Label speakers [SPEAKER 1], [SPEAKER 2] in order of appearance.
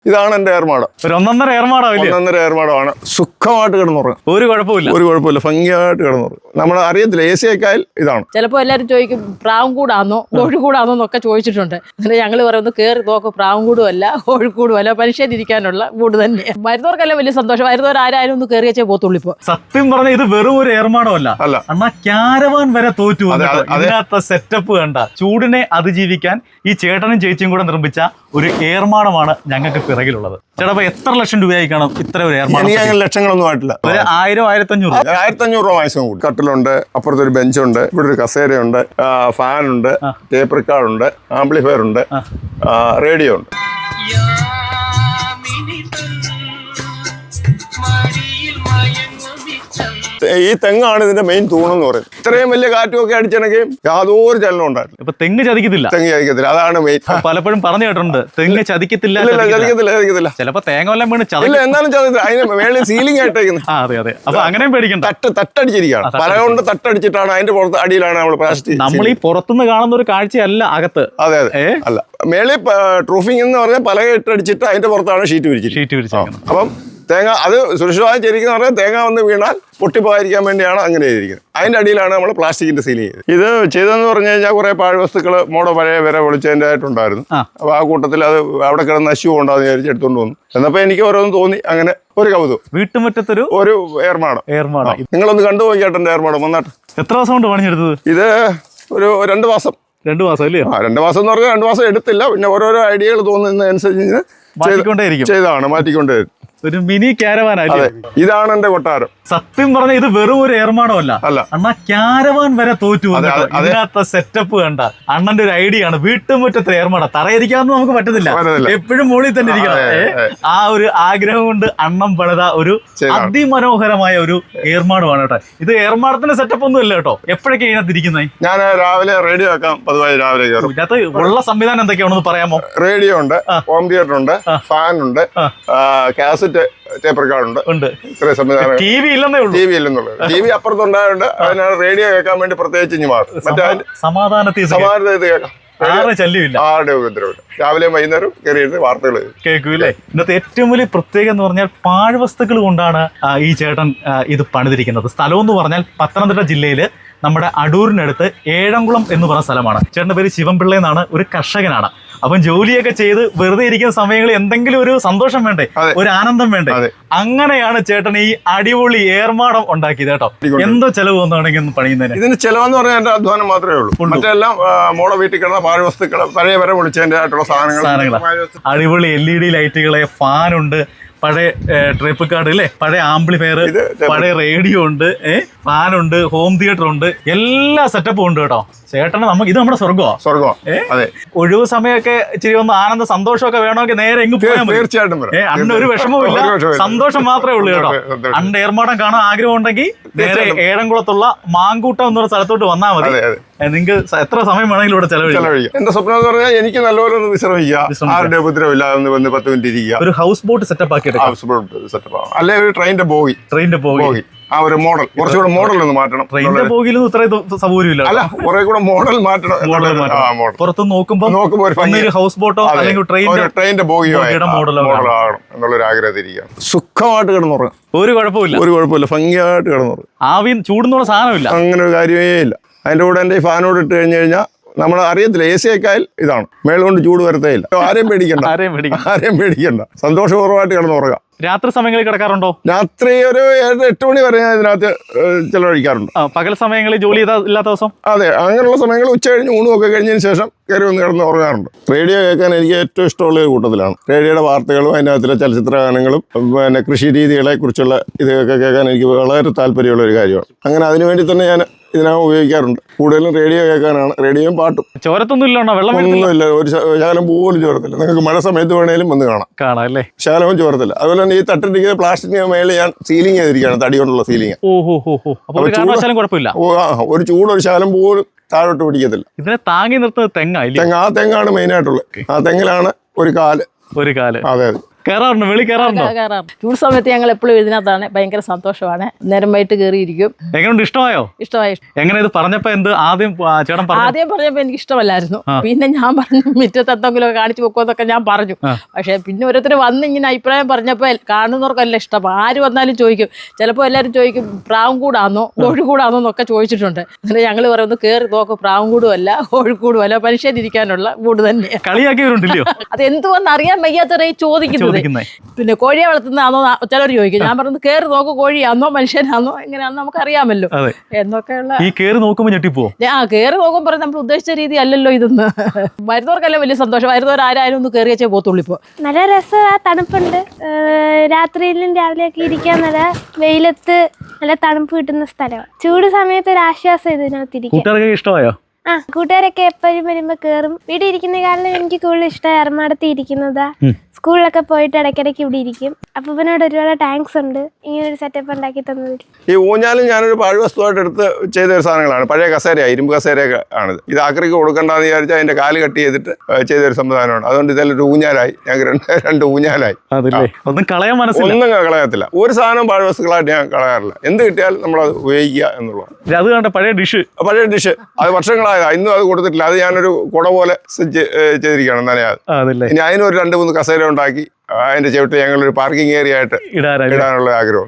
[SPEAKER 1] ഇതാണ് എന്റെ ഏർമാടം.
[SPEAKER 2] ഒരു ഒന്നൊന്നര
[SPEAKER 1] ഏർമാടമാണ്. സുഖമായിട്ട് കിടന്നുറങ്ങും, ഒരു കുഴപ്പമില്ല, ഭംഗിയായിട്ട് കിടന്നുറങ്ങും. നമ്മൾ അറിയത്തില്ല AC യൊക്കെയാൽ ഇതാണ്.
[SPEAKER 3] ചിലപ്പോൾ എല്ലാവരും ചോദിക്കും പ്രാവുംകൂടാന്നോ കോഴിക്കൂടാന്നോ എന്നൊക്കെ ചോദിച്ചിട്ടുണ്ട്. എന്നിട്ട് ഞങ്ങൾ പറയുന്നത് കയറി നോക്കും, പ്രാവുംകൂടും അല്ല കോഴിക്കൂടും അല്ല, മനുഷ്യരിക്കാനുള്ള കൂട് തന്നെയാണ്. വരുന്നവർക്കെല്ലാം വലിയ സന്തോഷം. വരുന്നവർ ആരായാലും ഒന്ന് കയറി വെച്ചേ പോത്തുള്ളൂ. ഇപ്പൊ
[SPEAKER 2] സത്യം പറഞ്ഞ ഇത് വെറും ഒരു ഏർമാടമല്ല, എന്നാ ക്യാരവാൻ വരെ തോറ്റു. അതിനകത്ത് സെറ്റപ്പ് കണ്ട ചൂടിനെ അതിജീവിക്കാൻ ഈ ചേട്ടനും ചേച്ചിയും കൂടെ നിർമ്മിച്ച ഒരു ഏർമാടമാണ് ഞങ്ങൾക്ക് പിറകിലുള്ളത്. ചേട്ടാ എത്ര ലക്ഷം രൂപയായി കാണും ഇത്ര ഒരു ഏർമാടം?
[SPEAKER 1] ലക്ഷങ്ങളൊന്നും ആയിട്ടില്ല,
[SPEAKER 2] 1000-1500
[SPEAKER 1] രൂപ മാക്സിമം കൂടി. കട്ടിലുണ്ട്, അപ്പുറത്തൊരു ബെഞ്ചുണ്ട്, ഇവിടെ ഒരു കസേരയുണ്ട്, ഫാനുണ്ട്, ടേപ്പ് റിക്കാർഡുണ്ട്, ആംപ്ലിഫയർ ഉണ്ട്, റേഡിയോ ഉണ്ട്. ഈ തെങ്ങാണ് ഇതിന്റെ മെയിൻ തൂണെന്ന് പറയുന്നത്. ഇത്രയും വലിയ കാറ്റുമൊക്കെ അടിച്ചിണക്കുകയും യാതൊരു ചലനം ഉണ്ടായിരുന്നു.
[SPEAKER 2] ഇപ്പൊ തെങ്ങ് ചതിക്കത്തില്ല,
[SPEAKER 1] അതാണ് മെയിൻ.
[SPEAKER 2] പലപ്പോഴും പറഞ്ഞു കേട്ടിട്ടുണ്ട് തെങ്ങ് ചതിക്കത്തില്ല. ചിലപ്പോ തേങ്ങ വല്ലതും വീണ്
[SPEAKER 1] ചതില്ല, എന്നാലും ചതില്ല. അതിന് മേളിൽ സീലിംഗ് ആയിട്ടേക്കുന്നത്.
[SPEAKER 2] അതെ അതെ, അപ്പൊ അങ്ങനെയും പേടിക്കണ്ട.
[SPEAKER 1] തട്ടടിച്ചിരിക്കുകയാണ്, പല കൊണ്ട് തട്ടടിച്ചിട്ടാണ് അതിന്റെ പുറത്ത് അടിയിലാണ് നമ്മൾ പ്ലാസ്റ്റിക്.
[SPEAKER 2] നമ്മൾ ഈ പുറത്തുനിന്ന് കാണുന്ന ഒരു കാഴ്ചയല്ല അകത്ത്.
[SPEAKER 1] അതെ അതെ, അല്ല മേളിൽ ട്രൂഫിംഗ് എന്ന് പറഞ്ഞാൽ പലക ഇട്ടടിച്ചിട്ട് അതിന്റെ പുറത്താണ് ഷീറ്റ് വിരിച്ചിരിക്കുന്നത്. അപ്പം തേങ്ങ അത് സുരക്ഷിതമായി ചെയ്തിരിക്കുന്ന പറഞ്ഞാൽ തേങ്ങ വന്ന് വീണാൽ പൊട്ടിപ്പോകാതിരിക്കാൻ വേണ്ടിയാണ് അങ്ങനെ ചെയ്തിരിക്കുന്നത്. അതിൻ്റെ അടിയിലാണ് നമ്മൾ പ്ലാസ്റ്റിക്കിന്റെ സീൽ ചെയ്തത്. ഇത് ചെയ്തതെന്ന് പറഞ്ഞു കഴിഞ്ഞാൽ കുറെ പാഴ്വസ്തുക്കൾ പഴയ വില വിളിച്ചതിൻ്റെ ആയിട്ടുണ്ടായിരുന്നു. അപ്പോൾ ആ കൂട്ടത്തിൽ അത് അവിടെ കിടന്ന് നശിവ് കൊണ്ടാന്ന് വിചാരിച്ച് എടുത്തുകൊണ്ട് വന്നു. എന്നപ്പോൾ എനിക്ക് ഓരോന്ന് തോന്നി, അങ്ങനെ ഒരു കൗതുകം.
[SPEAKER 2] വീട്ടുമുറ്റത്തൊരു
[SPEAKER 1] ഏർമാടം. നിങ്ങളൊന്ന് കണ്ടുപോയിക്കട്ടെ എൻ്റെ ഏർമാടം വന്നാട്ട്.
[SPEAKER 2] എത്ര ദിവസം കൊണ്ട് പണിഞ്ഞെടുത്തത്?
[SPEAKER 1] ഇത് ഒരു 2 മാസം.
[SPEAKER 2] 2 മാസം അല്ലേ?
[SPEAKER 1] 2 മാസം എന്ന് പറഞ്ഞാൽ 2 മാസം എടുത്തില്ല. പിന്നെ ഓരോരോ ഐഡിയകൾ തോന്നുന്നതനുസരിച്ച് മാറ്റിക്കൊണ്ടേ
[SPEAKER 2] ഒരു മിനി ക്യാരവാൻ.
[SPEAKER 1] ഇതാണ് എന്റെ കൊട്ടാരം.
[SPEAKER 2] സത്യം പറഞ്ഞ ഇത് വെറും ഒരു ഏർമാടമല്ല, അണ്ണാ ക്യാരവാൻ വരെ തോറ്റു. അതിനകത്ത് സെറ്റപ്പ് കണ്ട അണ്ണന്റെ ഒരു ഐഡിയ ആണ്. വീട്ടുമുറ്റത്തെ ഏർമാടം, തറയിരിക്കാന്ന് നമുക്ക് പറ്റത്തില്ല, എപ്പോഴും മുകളിൽ തന്നെ ഇരിക്കണം. ആ ഒരു ആഗ്രഹം കൊണ്ട് അണ്ണം പണിത ഒരു അതിമനോഹരമായ ഒരു ഏർമാടമാണ് കേട്ടോ. ഇത് ഏർമാടത്തിന്റെ സെറ്റപ്പ് ഒന്നും ഇല്ല കേട്ടോ. എപ്പോഴൊക്കെ ഇതിനകത്ത് ഇരിക്കുന്നത്?
[SPEAKER 1] ഞാൻ രാവിലെ റേഡിയോ വെക്കാം, പതിവായി രാവിലെ കയറും.
[SPEAKER 2] ഇതിനകത്ത് ഉള്ള സംവിധാനം എന്തൊക്കെയാണെന്ന് പറയാമോ?
[SPEAKER 1] റേഡിയോ ഉണ്ട്, ഹോം തിയേറ്റർ ഉണ്ട്, ഫാൻ ഉണ്ട്, കാസറ്റ് ടേപ്പ് റിക്കാർഡ് ഉണ്ട്. ഇത്രയും സംവിധാനം.
[SPEAKER 2] ടി വി ഇല്ലെന്നുള്ളത്.
[SPEAKER 1] ടി വി അപ്പുറത്തുണ്ടായതുകൊണ്ട് അതിനാണ് റേഡിയോ കേൾക്കാൻ വേണ്ടി പ്രത്യേകിച്ച് ഇനി മാറും.
[SPEAKER 2] സമാധാനത്തിൽ
[SPEAKER 1] കേൾക്കാം.
[SPEAKER 2] ആരുടെ
[SPEAKER 1] ഉപദ്രവമില്ല. രാവിലെയും വൈകുന്നേരം കയറിയിട്ട് വാർത്തകൾ
[SPEAKER 2] കേൾക്കൂല്ലേ. ഇന്നത്തെ ഏറ്റവും വലിയ പ്രത്യേകത എന്ന് പറഞ്ഞാൽ പാഴ്വസ്തുക്കൾ കൊണ്ടാണ് ഈ ചേട്ടൻ ഇത് പണിതിരിക്കുന്നത്. സ്ഥലം എന്ന് പറഞ്ഞാൽ പത്തനംതിട്ട ജില്ലയില് നമ്മുടെ അടൂരിനടുത്ത് ഏഴംകുളം എന്ന് പറഞ്ഞ സ്ഥലമാണ്. ചേട്ടൻ്റെ പേര് ശിവൻപിള്ള എന്നാണ്, ഒരു കർഷകനാണ്. അപ്പം ജോലിയൊക്കെ ചെയ്ത് വെറുതെ ഇരിക്കുന്ന സമയങ്ങളിൽ എന്തെങ്കിലും ഒരു സന്തോഷം വേണ്ടേ, ഒരു ആനന്ദം വേണ്ടേ, അങ്ങനെയാണ് ചേട്ടൻ ഈ അടിപൊളി ഏർമാടം ഉണ്ടാക്കിയത് കേട്ടോ. എന്തോ ചെലവ് വന്നാണെങ്കിൽ പണിയുന്നതിന്?
[SPEAKER 1] ഇതിന് ചെലവെന്ന് പറഞ്ഞാൽ എന്റെ അധ്വാനം മാത്രമേ ഉള്ളൂ. മറ്റെല്ലാം മോളെ വീട്ടിൽ കിടന്ന പാഴ്വസ്തുക്കൾ, പഴയ വരെ വിളിച്ചതിന്റെ ആയിട്ടുള്ള സാധനങ്ങൾ.
[SPEAKER 2] അടിപൊളി LED ലൈറ്റുകള്, ഫാനുണ്ട്, പഴയ ട്രിപ്പ് കാർഡ് അല്ലേ, പഴയ ആംപ്ലിഫയർ, പഴയ റേഡിയോ ഉണ്ട്, ഫാനുണ്ട്, ഹോം തിയേറ്റർ ഉണ്ട്, എല്ലാ സെറ്റപ്പും ഉണ്ട് കേട്ടോ. ചേട്ടന് ഇത് നമ്മുടെ സ്വർഗമാണ്. ഒഴിവ് സമയമൊക്കെ ഇച്ചിരി ഒന്ന് ആനന്ദ സന്തോഷമൊക്കെ വേണമെങ്കിൽ നേരെ എങ്ങ് പോയാൽ മതി.
[SPEAKER 1] തീർച്ചയായിട്ടും
[SPEAKER 2] അണ്ണ ഒരു വിഷമവും ഇല്ല, സന്തോഷം മാത്രമേ ഉള്ളൂ കേട്ടോ. അണ്ണ ഏർമാടം കാണാൻ ആഗ്രഹം ഉണ്ടെങ്കിൽ നേരെ ഏഴംകുളത്തുള്ള മാങ്കൂട്ടം എന്നൊരു സ്ഥലത്തോട്ട് വന്നാൽ മതി. നിങ്ങൾക്ക് എത്ര സമയം വേണമെങ്കിലും ഇവിടെ ചെലവഴിക്കാം.
[SPEAKER 1] എന്റെ സ്വപ്നം എന്ന് പറഞ്ഞാൽ എനിക്ക് നല്ലപോലെ ഒന്ന് വിശ്രമിക്കുക, ആരുടെ ഉപദ്രവമില്ല, ഒന്ന് 10 മിനിറ്റ് ഇരിക്കുക.
[SPEAKER 2] ഒരു ഹൗസ് ബോട്ട് സെറ്റപ്പ് ആക്കി
[SPEAKER 1] അല്ലെ ഒരു ട്രെയിനിന്റെ ബോഗി. ആ ഒരു മോഡൽ കുറച്ചുകൂടെ മോഡൽ ഒന്ന് മാറ്റണം.
[SPEAKER 2] ട്രെയിനിന്റെ ബോഗിയിലൊന്നും ഇത്ര സൗകര്യമില്ല.
[SPEAKER 1] അല്ല, കുറെ കൂടെ മോഡൽ മാറ്റണം.
[SPEAKER 2] പുറത്ത് നോക്കുമ്പോൾ ഹൗസ് ബോട്ടോ അല്ലെങ്കിൽ
[SPEAKER 1] ട്രെയിനിന്റെ ബോഗിയോ മോഡലാകണം എന്നുള്ളൊരു ആഗ്രഹത്തിരിക്കുക. സുഖമായിട്ട് കിടന്നുറങ്ങും, ഒരു കുഴപ്പമില്ല, ഭംഗിയായിട്ട് കിടന്നുറങ്ങും.
[SPEAKER 2] ആവി ചൂടുന്നുള്ള സാധനമില്ല,
[SPEAKER 1] അങ്ങനെ ഒരു കാര്യമേ ഇല്ല. അതിന്റെ കൂടെ എന്റെ ഫാനോട് ഇട്ട് കഴിഞ്ഞു കഴിഞ്ഞാൽ നമ്മൾ അറിയത്തില്ല, AC യൊക്കെയാൽ ഇതാണ്. മേളിൽ കൊണ്ട് ചൂട് വരത്തേ ഇല്ല. ആരെയും പേടിക്കണ്ട, സന്തോഷപൂർവ്വമായിട്ട് കിടന്നുറങ്ങാം.
[SPEAKER 2] രാത്രി സമയങ്ങളിൽ കിടക്കാറുണ്ടോ?
[SPEAKER 1] രാത്രി ഒരു 7-8 മണി വരെ ഞാൻ ഇതിനകത്ത് ചെലവഴിക്കാറുണ്ട്.
[SPEAKER 2] പകൽ സമയങ്ങളിൽ ജോലി ഇല്ലാത്ത ദിവസം?
[SPEAKER 1] അതെ, അങ്ങനെയുള്ള സമയങ്ങൾ ഉച്ച കഴിഞ്ഞ് ഊണുമൊക്കെ കഴിഞ്ഞതിന് ശേഷം കയറി ഒന്ന് കിടന്ന് ഉറങ്ങാറുണ്ട്. റേഡിയോ കേൾക്കാൻ എനിക്ക് ഏറ്റവും ഇഷ്ടമുള്ള ഒരു കൂട്ടത്തിലാണ്. റേഡിയോയുടെ വാർത്തകളും അതിനകത്തിലെ ചലച്ചിത്ര ഗാനങ്ങളും പിന്നെ കൃഷി രീതികളെ കുറിച്ചുള്ള ഇതൊക്കെ കേൾക്കാൻ എനിക്ക് വളരെ താല്പര്യമുള്ള ഒരു കാര്യമാണ്. അങ്ങനെ അതിനുവേണ്ടി തന്നെ ഞാൻ ഇതിനകം ഉപയോഗിക്കാറുണ്ട്. കൂടുതലും റേഡിയോ കേൾക്കാനാണ്. റേഡിയോയും പാട്ടും.
[SPEAKER 2] ചോരത്തൊന്നും
[SPEAKER 1] ഒന്നുമില്ല, ഒരു ശകലം പോലും ചോരത്തില്ല. നിങ്ങൾക്ക് മഴ സമയത്ത് വേണേലും വന്ന് കാണാം അല്ലേ, ശകലവും ചോരത്തില്ല. അതുപോലെ തന്നെ ഈ തട്ടിരിക്കുന്ന പ്ലാസ്റ്റിക്കിന് മേളിൽ ഞാൻ സീലിംഗ് ചെയ്തിരിക്കുകയാണ്, തടി കൊണ്ടുള്ള സീലിംഗ്. ഒരു ചൂട് ഒരു ശകലം പോലും താഴോട്ട് പിടിക്കത്തില്ല.
[SPEAKER 2] ഇതിനെ താങ്ങി നിർത്തുന്നത് തെങ്ങാണ്.
[SPEAKER 1] ആ തെങ്ങാണ് മെയിൻ ആയിട്ടുള്ളത്. ആ തെങ്ങിലാണ് ഒരു കാല്.
[SPEAKER 2] അതെ. കയറാറുണ്ടോ? വെളി കയറാറുണ്ടോ?
[SPEAKER 3] ചൂട് സമയത്ത് ഞങ്ങൾ എപ്പോഴും ഇതിനകത്താണ്. ഭയങ്കര സന്തോഷമാണ്. നേരം വൈകിട്ട് കയറിയിരിക്കും.
[SPEAKER 2] എങ്ങനെയുണ്ട്? ഇഷ്ടമായോ?
[SPEAKER 3] ഇഷ്ടമായി.
[SPEAKER 2] എങ്ങനെ ഇത് പറഞ്ഞപ്പോ എന്ത് ആദ്യം ചേട്ടൻ
[SPEAKER 3] ആദ്യം പറഞ്ഞപ്പോ എനിക്ക് ഇഷ്ടമല്ലായിരുന്നു. പിന്നെ ഞാൻ പറഞ്ഞു മുറ്റത്ത് എന്തെങ്കിലും കാണിച്ചു വെക്കുമെന്നൊക്കെ ഞാൻ പറഞ്ഞു. പക്ഷെ പിന്നെ ഓരോരുത്തർ വന്ന് ഇങ്ങനെ അഭിപ്രായം പറഞ്ഞപ്പോ കാണുന്നവർക്കല്ല ഇഷ്ടം. ആര് വന്നാലും ചോദിക്കും. ചിലപ്പോൾ എല്ലാവരും ചോദിക്കും പ്രാവുംകൂടാന്നോ കോഴിക്കൂടാന്നോ എന്നൊക്കെ ചോദിച്ചിട്ടുണ്ട്. എന്നിട്ട് ഞങ്ങൾ പറയുന്നത് കയറി നോക്കും, പ്രാവുംകൂടും അല്ല കോഴിക്കൂടും അല്ല, മനുഷ്യരിക്കാനുള്ള കൂട് തന്നെയാണ്.
[SPEAKER 2] കളിയാക്കിയവരുണ്ടല്ലോ.
[SPEAKER 3] അത് എന്തുവന്ന് അറിയാൻ വയ്യാത്തവരെ ചോദിക്കുന്നത്. പിന്നെ കോഴിയെ വളർത്തുന്നതാണോ ചിലർ ചോദിക്കും. ഞാൻ പറയുന്നത് കയറി നോക്കും, കോഴിയാന്നോ മനുഷ്യനാന്നോ എങ്ങനെയാണെന്ന് നമുക്ക് അറിയാമല്ലോ എന്നൊക്കെയുള്ള.
[SPEAKER 2] ഈ കയറി നോക്കുമ്പോൾ ഞെട്ടിപ്പോ
[SPEAKER 3] കയറി നോക്കുമ്പോൾ പറയും നമ്മൾ ഉദ്ദേശിച്ച രീതി അല്ലല്ലോ ഇതെന്ന്. വരുന്നവർക്കല്ല വലിയ സന്തോഷം. വരുന്നവർ ആരായാലും ഒന്ന് കയറി വെച്ചേ പോത്തുള്ളൂ. ഇപ്പോൾ
[SPEAKER 4] നല്ല രസമാണ്, തണുപ്പുണ്ട്. രാത്രിയിലും രാവിലെയൊക്കെ ഇരിക്കാൻ നല്ല വെയിലത്ത് നല്ല തണുപ്പ് കിട്ടുന്ന സ്ഥലമാണ്. ചൂട് സമയത്ത് ഒരു ആശ്വാസം ഇതിനകത്തിരിക്കും.
[SPEAKER 2] കൂട്ടുകാർക്ക് ഇഷ്ടമായോ?
[SPEAKER 4] കൂട്ടുകാരൊക്കെ എപ്പോഴും വരുമ്പോ കേറും. വീട്ടിൽ ഇരിക്കുന്ന കാലം എനിക്ക് കൂടുതൽ ഇഷ്ടം എറണാകുളത്ത് ഇരിക്കുന്നതാ. സ്കൂളിലൊക്കെ പോയിട്ട് ഇടയ്ക്കിടയ്ക്ക് ഇവിടെ ഇരിക്കും. അപ്പൂപ്പനോട് ഒരുപാട് താങ്ക്സ് ഉണ്ട് ഇങ്ങനെ ഒരു സെറ്റപ്പ് ഉണ്ടാക്കി തന്നതിൽ.
[SPEAKER 1] ഈ ഊഞ്ഞാലും ഞാനൊരു പാഴ്വസ്തുവായിട്ട് എടുത്ത് ചെയ്ത ഒരു സാധനങ്ങളാണ്. പഴയ കസേരയാണ്, ഇരുമ്പ് കസേരയൊക്കെ ആണിത്. ഇത് ആക്രിക്ക് കൊടുക്കേണ്ടതെന്ന് വിചാരിച്ചാൽ അതിന്റെ കാല് കട്ട് ചെയ്തിട്ട് ചെയ്തൊരു സംവിധാനമാണ്. അതുകൊണ്ട് ഇതിലൊരു ഊഞ്ഞാലായി, ഞങ്ങൾക്ക് രണ്ട് ഊഞ്ഞാലായി.
[SPEAKER 2] ഒന്നും കളയാൻ
[SPEAKER 1] ഒന്നും കളയത്തില്ല. ഒരു സാധനം പാഴ്വസ്തുക്കളായിട്ട് ഞാൻ കളയാറില്ല. എന്ത് കിട്ടിയാലും നമ്മളത് ഉപയോഗിക്കുക എന്നുള്ളതാണ്.
[SPEAKER 2] അത് കണ്ട പഴയ ഡിഷ്
[SPEAKER 1] അത് വർഷങ്ങളായതാണ്. ഇന്നും അത് കൊടുത്തിട്ടില്ല. അത് ഞാനൊരു കുട പോലെ ചെയ്തിരിക്കുകയാണ് നനയാതെ. ഇനി അതിനൊരു 2-3 കസേര ഉണ്ടാക്കി അതിന്റെ ചവിട്ട് ഞങ്ങളൊരു പാർക്കിംഗ് ഏരിയ ആയിട്ട് ഇടാനുള്ള ആഗ്രഹം.